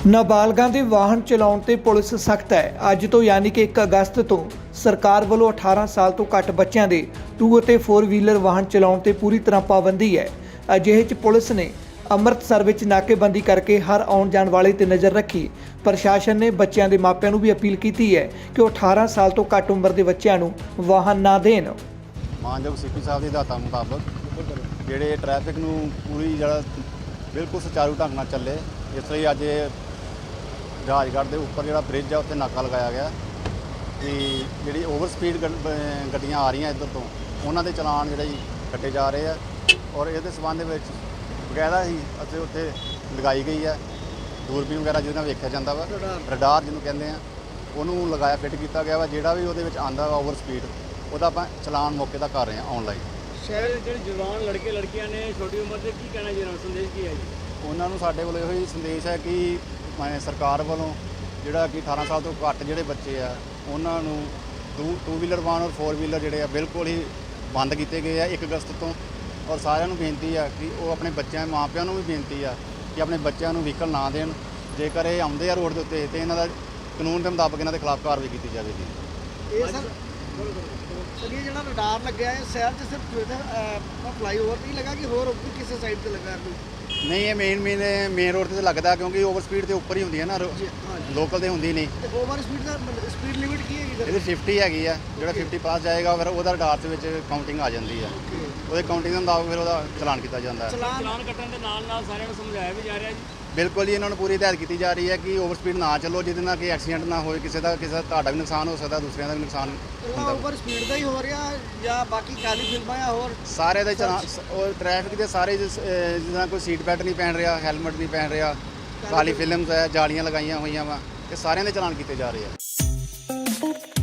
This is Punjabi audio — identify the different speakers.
Speaker 1: ਨਾਬਾਲਗਾਂ ਦੇ ਵਾਹਨ ਚਲਾਉਣ ਤੇ ਪੁਲਿਸ ਸਖਤ ਹੈ। ਅੱਜ ਤੋਂ ਯਾਨੀ ਕਿ 1 ਅਗਸਤ ਤੋਂ ਸਰਕਾਰ ਵੱਲੋਂ 18 ਸਾਲ ਤੋਂ ਘੱਟ ਬੱਚਿਆਂ ਦੇ 2 ਅਤੇ 4 ਵੀਲਰ ਵਾਹਨ ਚਲਾਉਣ ਤੇ ਪੂਰੀ ਤਰ੍ਹਾਂ ਪਾਬੰਦੀ ਹੈ। ਅਜਿਹੇ 'ਚ ਪੁਲਿਸ ਨੇ ਅੰਮ੍ਰਿਤਸਰ ਵਿੱਚ ਨਾਕੇਬੰਦੀ ਕਰਕੇ ਹਰ ਆਉਣ ਜਾਣ ਵਾਲੇ ਤੇ ਨਜ਼ਰ ਰੱਖੀ। ਪ੍ਰਸ਼ਾਸਨ ਨੇ ਬੱਚਿਆਂ ਦੇ ਮਾਪਿਆਂ ਨੂੰ ਵੀ ਅਪੀਲ ਕੀਤੀ ਹੈ ਕਿ ਉਹ 18 ਸਾਲ ਤੋਂ ਘੱਟ ਉਮਰ ਦੇ ਬੱਚਿਆਂ ਨੂੰ ਵਾਹਨ ਨਾ ਦੇਣ।
Speaker 2: ਮਾਨਯੋਗ ਸੀਪੀ ਸਾਹਿਬ ਦੀ ਹਦਾਇਤਾਂ ਮੁਤਾਬਕ ਜਿਹੜੇ ਟ੍ਰੈਫਿਕ ਨੂੰ ਪੂਰੀ ਬਿਲਕੁਲ ਸੁਚਾਰੂ ਢੰਗ ਨਾਲ ਚੱਲੇ, ਇਸ ਲਈ ਅੱਜ ਰਾਜਗੜ੍ਹ ਦੇ ਉੱਪਰ ਜਿਹੜਾ ਬ੍ਰਿਜ ਆ ਉੱਥੇ ਨਾਕਾ ਲਗਾਇਆ ਗਿਆ ਕਿ ਜਿਹੜੀ ਓਵਰ ਸਪੀਡ ਗੱਡੀਆਂ ਆ ਰਹੀਆਂ ਇੱਧਰ ਤੋਂ ਉਹਨਾਂ ਦੇ ਚਲਾਨ ਜਿਹੜੇ ਕੱਟੇ ਜਾ ਰਹੇ ਆ। ਔਰ ਇਹਦੇ ਸਬੰਧ ਵਿੱਚ ਬਕਾਇਦਾ ਹੀ ਅਸੀਂ ਉੱਥੇ ਲਗਾਈ ਗਈ ਹੈ ਦੂਰਬੀਨ ਵਗੈਰਾ ਜਿਹਦੇ ਨਾਲ ਵੇਖਿਆ ਜਾਂਦਾ ਵਾ, ਰਡਾਰ ਜਿਹਨੂੰ ਕਹਿੰਦੇ ਆ, ਉਹਨੂੰ ਲਗਾਇਆ ਫਿੱਟ ਕੀਤਾ ਗਿਆ ਵਾ। ਜਿਹੜਾ ਵੀ ਉਹਦੇ ਵਿੱਚ ਆਉਂਦਾ ਵਾ ਓਵਰ ਸਪੀਡ ਉਹਦਾ ਆਪਾਂ ਚਲਾਨ ਮੌਕੇ ਦਾ ਕਰ ਰਹੇ ਹਾਂ ਆਨਲਾਈਨ।
Speaker 3: ਸ਼ਹਿਰ ਦੇ ਜਿਹੜੇ ਜਵਾਨ ਲੜਕੇ ਲੜਕੀਆਂ ਨੇ ਛੋਟੀ ਉਮਰ ਦੇ ਕੀ ਕਹਿਣਾ ਚਾਹੁੰਦੇ, ਸੰਦੇਸ਼ ਕੀ ਹੈ ਜੀ?
Speaker 2: ਉਹਨਾਂ ਨੂੰ ਸਾਡੇ ਵੱਲੋਂ ਇਹੋ ਹੀ ਸੰਦੇਸ਼ ਹੈ ਕਿ ਸਰਕਾਰ ਵੱਲੋਂ ਜਿਹੜਾ ਕਿ 18 ਸਾਲ ਤੋਂ ਘੱਟ ਜਿਹੜੇ ਬੱਚੇ ਆ ਉਹਨਾਂ ਨੂੰ 2 ਵੀਲਰ ਵਾਹਨ ਔਰ 4 ਵੀਲਰ ਜਿਹੜੇ ਆ ਬਿਲਕੁਲ ਹੀ ਬੰਦ ਕੀਤੇ ਗਏ ਆ 1 ਅਗਸਤ ਤੋਂ। ਔਰ ਸਾਰਿਆਂ ਨੂੰ ਬੇਨਤੀ ਆ ਕਿ ਉਹ ਆਪਣੇ ਬੱਚਿਆਂ ਮਾਪਿਆਂ ਨੂੰ ਵੀ ਬੇਨਤੀ ਆ ਕਿ ਆਪਣੇ ਬੱਚਿਆਂ ਨੂੰ ਵਹੀਕਲ ਨਾ ਦੇਣ। ਜੇਕਰ ਇਹ ਆਉਂਦੇ ਆ ਰੋਡ ਦੇ ਉੱਤੇ ਤੇ ਇਹਨਾਂ ਦਾ ਕਾਨੂੰਨ ਦੇ ਮੁਤਾਬਕ ਇਹਨਾਂ ਦੇ ਖਿਲਾਫ ਕਾਰਵਾਈ ਕੀਤੀ ਜਾਵੇਗੀ।
Speaker 4: ਇਹ ਸਰ ਇਹ ਜਿਹੜਾ ਰਡਾਰ ਲੱਗਿਆ ਹੈ ਸ਼ਹਿਰ 'ਚ ਸਿਰਫ ਫਲਾਈਓਵਰ ਤੇ ਹੀ ਲੱਗਾ ਕਿ ਹੋਰ ਵੀ ਕਿਸੇ ਸਾਈਡ ਤੇ ਲੱਗਾ ਕੋਈ?
Speaker 2: ਨਹੀਂ, ਇਹ ਮੇਨ ਰੋਡ ਤੇ ਲੱਗਦਾ ਕਿਉਂਕਿ ਓਵਰ ਸਪੀਡ ਤੇ ਉੱਪਰ ਹੀ ਹੁੰਦੀ ਹੈ ਨਾ, ਲੋਕਲ ਤੇ ਹੁੰਦੀ ਨਹੀਂ।
Speaker 4: ਤੇ ਓਵਰ ਸਪੀਡ ਦਾ ਸਪੀਡ ਲਿਮਿਟ ਕੀ ਹੈਗੀ ਸਰ?
Speaker 2: ਇਹਦੀ 50 ਹੈਗੀ ਆ। ਜਿਹੜਾ 50 ਪਾਸ ਜਾਏਗਾ ਫਿਰ ਉਹਦਾ ਰਡਾਰ ਦੇ ਵਿੱਚ ਕਾਊਂਟਿੰਗ ਆ ਜਾਂਦੀ ਆ। ਉਹਦੇ ਕਾਊਂਟਿੰਗ ਦੇ ਮੁਤਾਬਕ ਫਿਰ ਉਹਦਾ ਚਲਾਨ ਕੀਤਾ ਜਾਂਦਾ ਹੈ।
Speaker 3: ਚਲਾਨ ਕੱਟਣ ਦੇ ਨਾਲ ਨਾਲ ਸਾਰਿਆਂ ਨੂੰ ਸਮਝਾਇਆ ਵੀ ਜਾ ਰਿਹਾ ਜੀ।
Speaker 2: ਬਿਲਕੁਲ ਜੀ, ਇਹਨਾਂ ਨੂੰ ਪੂਰੀ ਹਦਾਇਤ ਕੀਤੀ ਜਾ ਰਹੀ ਹੈ ਕਿ ਓਵਰ ਸਪੀਡ ਨਾ ਚੱਲੋ, ਜਿਹਦੇ ਨਾਲ ਕਿ ਐਕਸੀਡੈਂਟ ਨਾ ਹੋਏ, ਕਿਸੇ ਦਾ ਤੁਹਾਡਾ ਵੀ ਨੁਕਸਾਨ ਹੋ ਸਕਦਾ, ਦੂਸਰਿਆਂ ਦਾ ਵੀ ਨੁਕਸਾਨ ਹੁੰਦਾ।
Speaker 4: ਓਵਰ ਸਪੀਡ ਦਾ ਹੀ ਹੋ ਰਿਹਾ ਜਾਂ ਬਾਕੀ ਕਾਲੀ ਫਿਲਮਾਂ ਜਾਂ ਹੋਰ
Speaker 2: ਸਾਰੇ ਦਾ ਚਲਾਨ ਉਹ ਟ੍ਰੈਫਿਕ ਦੇ ਸਾਰੇ ਜਿੱਦਾਂ ਕੋਈ ਸੀਟ ਬੈਲਟ ਨਹੀਂ ਪਹਿਨ ਰਿਹਾ, ਹੈਲਮਟ ਨਹੀਂ ਪਹਿਨ ਰਿਹਾ, ਕਾਲੀ ਫਿਲਮਸ ਹੈ, ਜਾਲੀਆਂ ਲਗਾਈਆਂ ਹੋਈਆਂ ਵਾ, ਇਹ ਸਾਰਿਆਂ ਦੇ ਚਲਾਨ ਕੀਤੇ ਜਾ ਰਹੇ ਆ।